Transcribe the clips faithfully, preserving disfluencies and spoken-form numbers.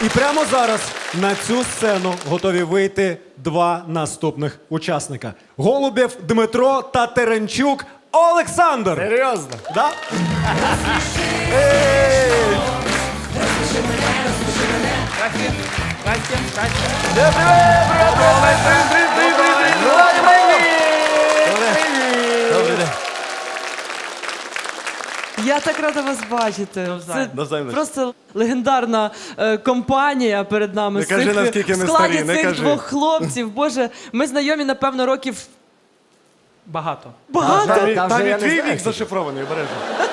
І прямо зараз на цю сцену готові вийти два наступних учасника. Голубєв Дмитро та Теренчук Олександр. Серйозно? Да? Здрасте, здрасте, здрасте. Добрий день. Я так рада вас бачити. Це Навзаєм. просто легендарна е, компанія перед нами. Не з кажи, цих- наскільки ми в складі старі, не цих кажи. двох хлопців. Боже, ми знайомі, напевно, років Багато. багато. Там, Та вже там і я не твій знаю, вік зашифрований, обережно.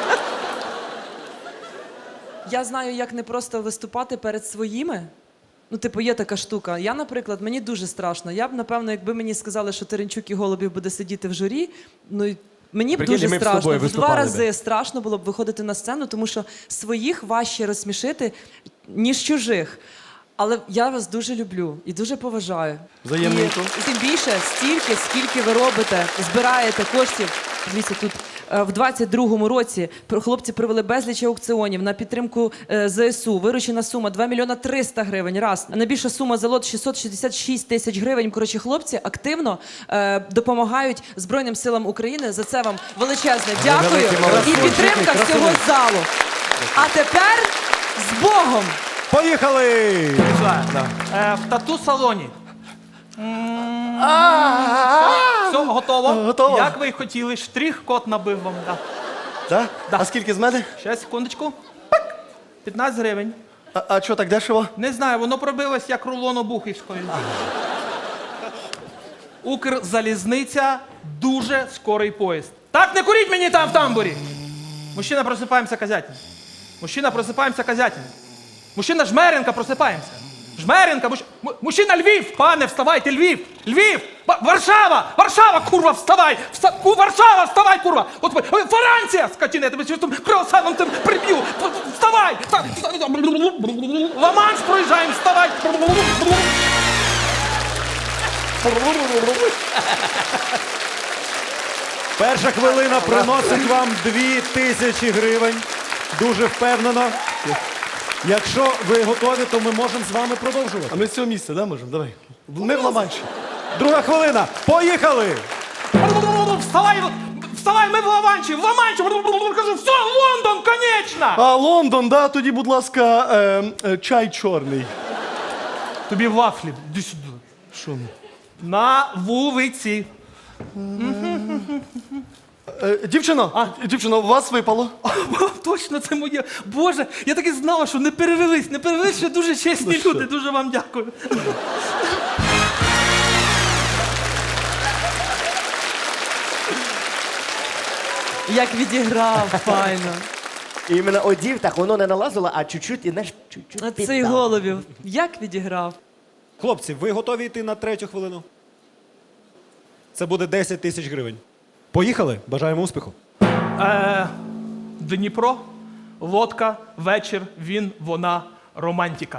Я знаю, як не просто виступати перед своїми. Ну, типу, є така штука. Я, наприклад, мені дуже страшно. Я б, напевно, якби мені сказали, що Теренчук і Голубів буде сидіти в журі, ну, і мені б Прикинь, дуже ми б з страшно. тобою В два виступали рази страшно було б виходити на сцену, тому що своїх важче розсмішити, ніж чужих. Але я вас дуже люблю і дуже поважаю. Взаємненько. І, і тим більше стільки, скільки ви робите, збираєте коштів. Дивіться, тут е, в двадцять другому році пр- хлопці провели безліч аукціонів на підтримку е, ЗСУ. Виручена сума два мільйона триста гривень. Раз. А найбільша сума за лот шістсот шістдесят шість тисяч гривень. Коротше, хлопці активно е, допомагають Збройним силам України. За це вам величезне дякую. великі молодці. І підтримка всього залу. А тепер з Богом! Поїхали! Е, в тату-салоні. Все, готово? Готово. Як ви й хотіли, штрих-код набив вам. Да. Так? Да. А скільки з мене? Ще секундочку. Пик! п'ятнадцять гривень. А, а що так дешево? Не знаю, воно пробилось як рулон обухівської. Укрзалізниця, дуже скорий поїзд. Так, не куріть мені там в тамбурі! Мужчина, просипаємося, козятин. Мужчина, просипаємося, козятин. Мужчина, Жмеренка, просипаємося. Жмеренка, муж... му- мужчина, Львів! Пане, вставайте, Львів! Львів! Ба- Варшава! Варшава, курва, вставай! Вста... Ку- Варшава, вставай, курва! От, ой, Франція! Скотина, я тебе щось там круасаном там приб'ю! В- в- Вставай! Вста- вста- Ла-Манш проїжджаємо, вставай! Перша хвилина приносить вам дві тисячі гривень. Дуже впевнено. Якщо ви готові, то ми можемо з вами продовжувати. А ми з цього місця, да, можемо? Давай. Ми в Ла-Манші. Друга хвилина. Поїхали! Вставай! Вставай, ми в Ла-Манші! В Ла-Манші! Кажу, все, Лондон, конечно! А Лондон, да, тоді, будь ласка, е, е, чай чорний. Тобі вафлі, іди сюди. Що? На вулиці. Е, дівчино, а? дівчино, у вас випало. О, точно, це моє. Боже, я так і знала, що не перевелись. Не перевелись, що дуже чесні Ну, люди. Дуже вам дякую. Як відіграв, файно. І іменно одів, так воно не налазило, а чуть-чуть, і знаєш, чуть-чуть А цей піддав. Голубів, як відіграв? Хлопці, ви готові йти на третю хвилину? Це буде десять тисяч гривень. Поїхали? Бажаємо успіху. Е, Дніпро, лодка, вечір, він, вона, романтика.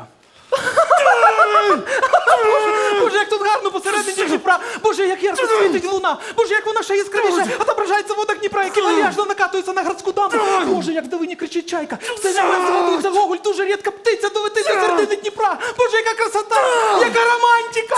Боже, як тут гарно посередині Дніпра! Боже, як ярко світить луна! Боже, як вона ще яскравіше отображається в водах Дніпра, які вальяжно накатуються на градську дамбу! Боже, як в долині кричить чайка! Все небо згадується Гоголь, дуже рідка птиця долетить до середини Дніпра! Боже, яка красота! Яка романтика!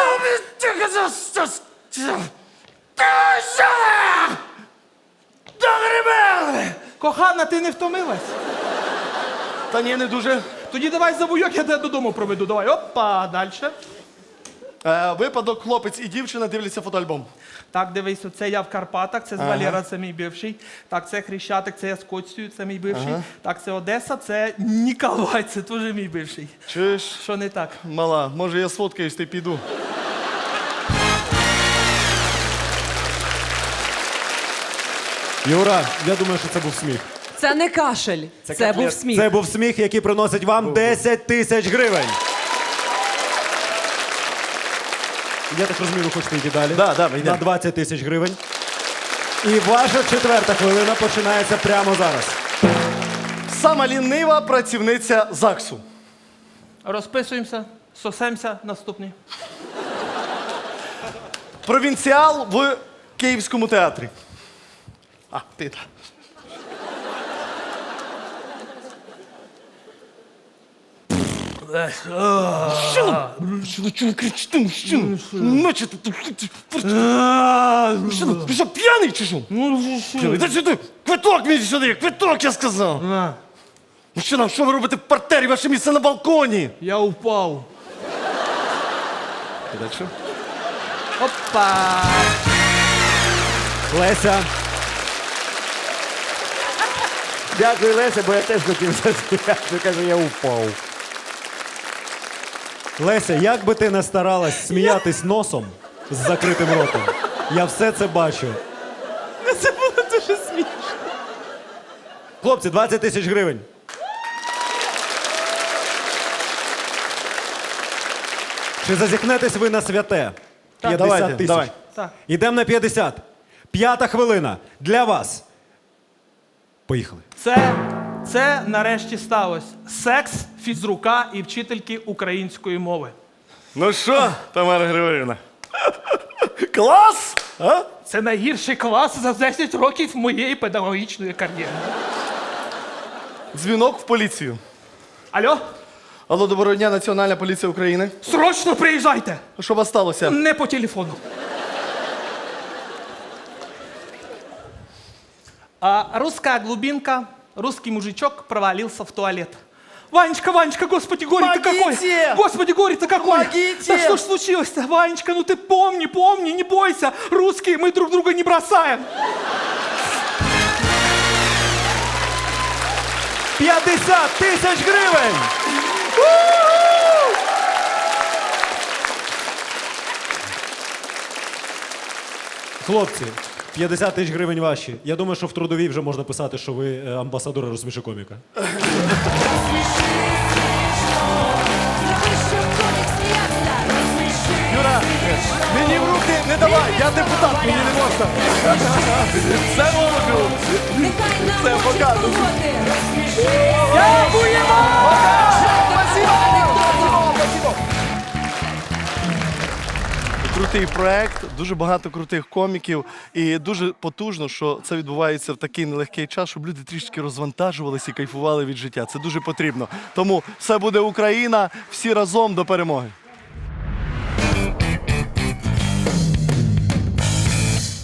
Кохана, ти не втомилась? Та ні, не дуже. Тоді давай завуйок, я тебе додому проведу. Давай, опа, далі. Е, випадок, хлопець і дівчина дивляться фотоальбом. Так, дивись, це я в Карпатах, це з Валера, це мій бивший. Так, це Хрещатик, це я з Коцею, це мій бивший. Так, це Одеса, це Ніколай, це теж мій бивший. Чуєш, Що не так? мала, може я сфоткаюсь, ти піду. Юра, я думаю, що це був сміх. Це не кашель, це, був сміх. Це був сміх, який приносить вам десять тисяч гривень. Я так розумію, ви хочете йти далі? Да, да, ми йдемо. На двадцять тисяч гривень. І ваша четверта хвилина починається прямо зараз. Сама лінива працівниця ЗАГСу. Розписуємося, сосемся, наступний. Провінціал в Київському театрі. А, ти так. Мужчина! Мужчина, чого ви кричите, мужчина? Ночі ти... Мужчина, ти що, п'яний чи що? Мужчина, іди сюди! Квиток мені сюди! Квиток, я сказав! На, Мужчина, що ви робите в партері? Ваше місце на балконі! я упав. Дальше. Опа! Леся, Дякую, Леся, бо я теж хотів засміяти. Каже, я упав. Леся, як би ти не старалась сміятись носом з закритим ротом, я все це бачу. Це було дуже смішно. Хлопці, двадцять тисяч гривень. Чи зазіхнетесь ви на святе? давайте, п'ятдесят тисяч. давай. Так. Ідемо на п'ятдесят. П'ята хвилина. Для вас. Поїхали. Це, це нарешті сталося. Секс фізрука і вчительки української мови. Ну що, Тамара Григорівна? Клас! А? Це найгірший клас за десять років моєї педагогічної кар'єри. Дзвінок в поліцію. Алло? Алло, доброго дня, Національна поліція України. Срочно приїжджайте! Що у вас сталося? Не по телефону. А, русская глубинка, русский мужичок провалился в туалет. Ванечка, Ванечка, господи, горе-то какое! Помогите! Господи, горе-то какое! Помогите! Да что ж случилось-то, Ванечка, ну ты помни, помни, не бойся! Русские, мы друг друга не бросаем! п'ятдесят тисяч гривень! Хлопці, п'ятдесят тисяч гривень ваші. Я думаю, що в трудовій вже можна писати, що ви е, амбасадори розсміши коміка. Юра, мені в руки не давай, я депутат, мені не можна. Це можу. Це покажу. Крутий проект, дуже багато крутих коміків і дуже потужно, що це відбувається в такий нелегкий час, щоб люди трішки розвантажувалися і кайфували від життя. Це дуже потрібно. Тому все буде Україна, всі разом до перемоги.